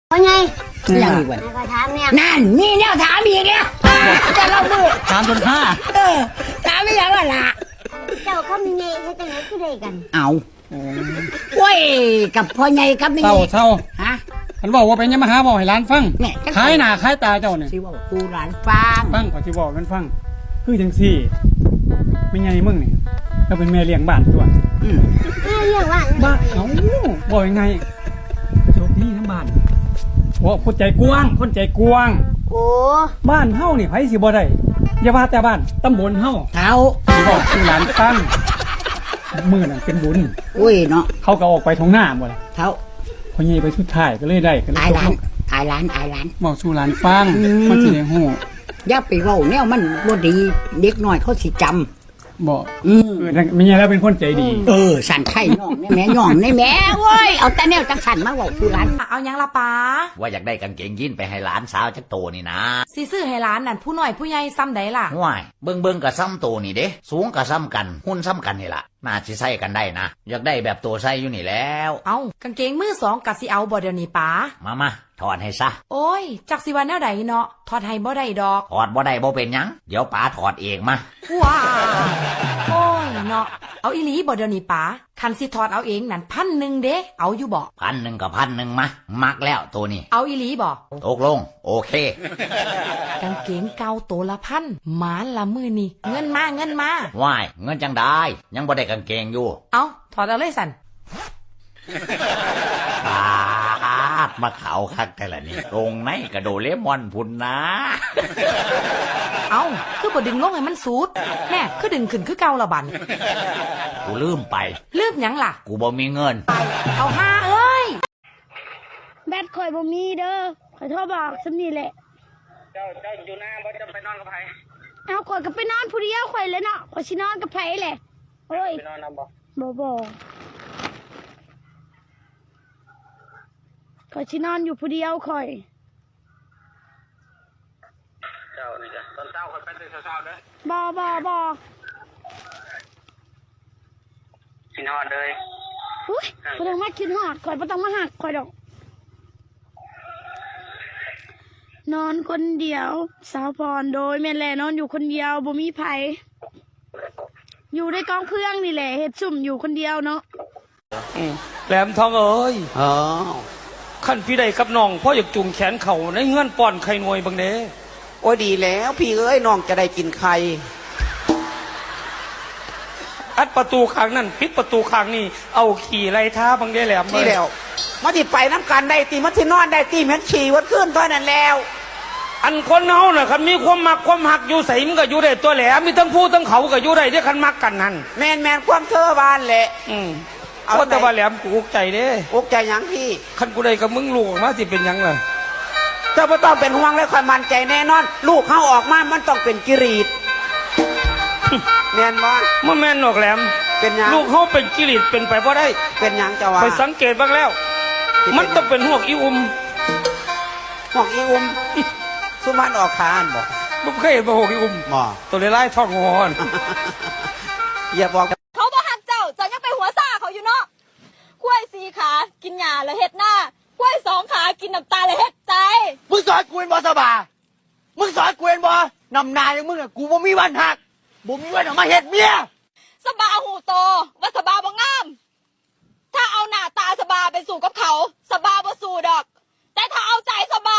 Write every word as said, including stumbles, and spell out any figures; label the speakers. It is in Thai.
Speaker 1: ว่าไง
Speaker 2: ยังอีกวัน
Speaker 1: ก็ถามเนี่ย
Speaker 2: นั่นนี่เนี่ยถามอีกเนี่ยจะเล่ามือ
Speaker 3: ถามจนห้า
Speaker 2: เออถามไม่ยังละล่ะ
Speaker 1: เจ้าเขามีไงให้จังไหนคือได้กัน
Speaker 2: เอาโว้ยกับพ่อใหญ่กับนี่
Speaker 3: เศร้าเศร้า
Speaker 2: ฮะ
Speaker 3: มันบอกว่าเป็นยังมาหาบอกให้ร้านฟังขายหน้าขายตาเจ้าเนี่ย
Speaker 2: สิว่ากูร้านฟัง
Speaker 3: ฟังก่อนสิบอกมันฟังคือจังสี่ไม่ไงมึงเนี่ยเราเป็นแม่เลี้ยงบ้านตัว
Speaker 2: อืม
Speaker 1: แม่เลี้ยงบ้าน
Speaker 3: บ้านเขาบอกยังไงโชคดีทั้งบ้านว่าคนใจกว้างคนใจกว้าง
Speaker 1: โอ้
Speaker 3: บ้านเฮานี่ไผสิบ่ได้อย่าว่าแต่บ้านตำบลเฮา
Speaker 2: เท้า
Speaker 3: สิบอกคือหลานฟังมื้อนั้นเป็นบุญ
Speaker 2: อุ้ยเนาะ
Speaker 3: เขาก็ออกไปท้องหน้าบ่ล่ะ
Speaker 2: เท้า
Speaker 3: พอใหญ่ไปสุดท้ายก็เลยได้ก็เลย
Speaker 2: ตายร้านตายร้านตายร้าน
Speaker 3: บอกสู่หลานฟังมันสิได้ฮู้
Speaker 2: อย่าไปเว้าแนวมันบ่ดีเด็กน้อยเขาสิจำ
Speaker 3: บอก
Speaker 2: อืม
Speaker 3: เออไม่ใช่แล้วเป็นคนใจดี
Speaker 2: เออสั่นไข่น่องในแม่น่องในแม่เว้ยเอาแต่แนวจังสั่นมาบอกสู่ร้าน
Speaker 4: เอายังละป้า
Speaker 5: ว่าอยากได้กางเกงยีนไปให้หลานสาวจักโตนี่นะ
Speaker 4: สิซื้อให้หลานนั่นผู้น้อยผู้ใหญ่ซ้ำใดล่ะ
Speaker 5: ว้ายเบิ่งเบิ่งกับซ้ำโตนี่เด้สูงกับซ้ำกันหุ่นซ้ำกันนี่ล่ะน่าสิใส่กันได้นะอยากได้แบบตัวใส่อยู่นี่แล้ว
Speaker 4: เอากางเกงมือสองกะสิเอาบ่เดี๋ยวนี้ป้า
Speaker 5: มามาถอดให้ซะ
Speaker 4: โอ้ยจักสิวันแนวใดเนาะถอดให้บ่ได้ดอก
Speaker 5: ถอดบ่ได้บ่เป็นหยังเดี๋ยวป๋าถอดเองมา
Speaker 4: ว้าโอ้ยเนาะเอาอีหลีบ่เดี๋ยวนี้ป้าคันสิถอดเอาเองนั่นพันหนึ่งเด้เอาอยู่บ่
Speaker 5: พันหนึ่งกับพันหนึ่งมามักแล้วตัวนี้
Speaker 4: เอาอีหลีบ่
Speaker 5: ตกลงโอเค
Speaker 4: กางเกงเก่าตัวละพันหมาละมือนี่เงินมาเงินมา
Speaker 5: ว้ายเงินจังได้ยังบ่ได้กางเกงอยู่
Speaker 4: เอาถอดเอาเลยสัน
Speaker 5: ปาดมาเขาคักแต่ละนี่ตรงไหนกระโดเลมอนพุ่นนะ
Speaker 4: เอาคือบ่ดึงลงให้มันสูดแน่คือดึงขึ้นคือเก่าละบัน
Speaker 5: กูลืมไป
Speaker 4: ลืมหยังล่ะ
Speaker 5: กูบ่มีเงิน
Speaker 4: เอาห้าเอ้ย
Speaker 1: แบตข่อยบ่มีเด้อข่อยโทรบอกซำนี่แหละ
Speaker 3: เจ้าเจ้าอยู่หน้าบ่จะไปนอนกับไผ
Speaker 1: เอาข่อยก็ไปนอนผู้เดียวข่อยเลยเนาะข่อยสินอนกับไผแหละโอ้ย
Speaker 3: ไปนอนนำบ่
Speaker 1: บ่บ่ข่อยสินอนอยู่ผู้เดียวข่อย
Speaker 3: เจ้านี่จ้ะตอนเช้าข่อยไปแต่เช้าๆเด้อ
Speaker 1: บ่บ่บ่
Speaker 3: กินฮอดเลย
Speaker 1: อุ้ยบ่ต้องมากินฮอดข่อยบ่ต้องมาหักข่อยดอกนอนคนเดียวสาวพรโดยแม่แลนอนอยู่คนเดียวบ่มีไผอยู่ในกองเครื่องนี่แหละเฮ็ดซุ่มอยู่คนเดียวเนาะ
Speaker 6: แหลมทองเอ้ย
Speaker 2: อ๋อ
Speaker 6: ขั้นพี่ใดกับน้องพ่ออยากจุงแขนเข่าในเงื่อนป้อนไข่หน่วยบางเด้
Speaker 7: โอ้ยดีแล้วพี่เอ้ยน้องจะได้กินไข่
Speaker 6: อัดประตูข้างนั่นปิดประตูข้างนี่เอาขี่ไล่ท้าบางเด้แหลม
Speaker 7: นี่แล้วมาที่ไปน้ำกันได้ตีมาที่นอนได้ตีเหมือนขี่วัดขึ้นเท่านั้นแล้ว
Speaker 6: อันคนเฮาน่ะคันมีความมักความหักอยู่ใส่มันก็อยู่ได้ตัวแหลมมีทั้งผู้ทั้งเขาก็อยู่ได้ที่คันมักกันนั่น
Speaker 7: แมนแมนความเธอบ้านแหละ
Speaker 6: อืมเอาแต่ว่าแหลมกูอุกใจเด้
Speaker 7: อุกใจยังพี่
Speaker 6: คันกูได้กับมึงลูกออกมาสิเป็นยังล่ะ
Speaker 7: เจ้าไม่ต้องเป็นห่วงและคอยมั่นใจแน่นอนลูกเขาออกมามันต้องเป็นกิรีดแมนว่า
Speaker 6: มันแมนหนอกแหลม
Speaker 7: เป็นยัง
Speaker 6: ลูกเขาเป็นกิริตเป็นไปเพราะได้
Speaker 7: เป็นยังเจ้าว่า
Speaker 6: ไปสังเกตบ้างแล้วมันต้องเป็นหวกอีอุ้ม
Speaker 7: หวกอีอุ้มสุมันออกทานบอก
Speaker 6: มึงเคยเห็นหวกอีอุ้มตัวไล่ท้องงอน
Speaker 7: อย่าบอก
Speaker 8: เขาบ่หักเจ้าเจ้ายังไปหัวซ่าเขาอยู่เนาะกล้วยสี่ขากินหญ้าแล้วเฮ็ดหน้ากล้วยสองขากินน้ำตาแล้วเฮ็ดใจ
Speaker 7: มึงสอนกูเป็นบอสบามึงสอนกูเป็นบอนำนาอย่างมึงอะกูบ่มีวันหักบ่มีวันออกมาเฮ็ดเมีย
Speaker 8: สบาหูโตว่าสบาบ่งามถ้าเอาหน้าตาสบาไปสู่กับเขาสบาบ่สู่ดอกแต่ถ้าเอาใจสบา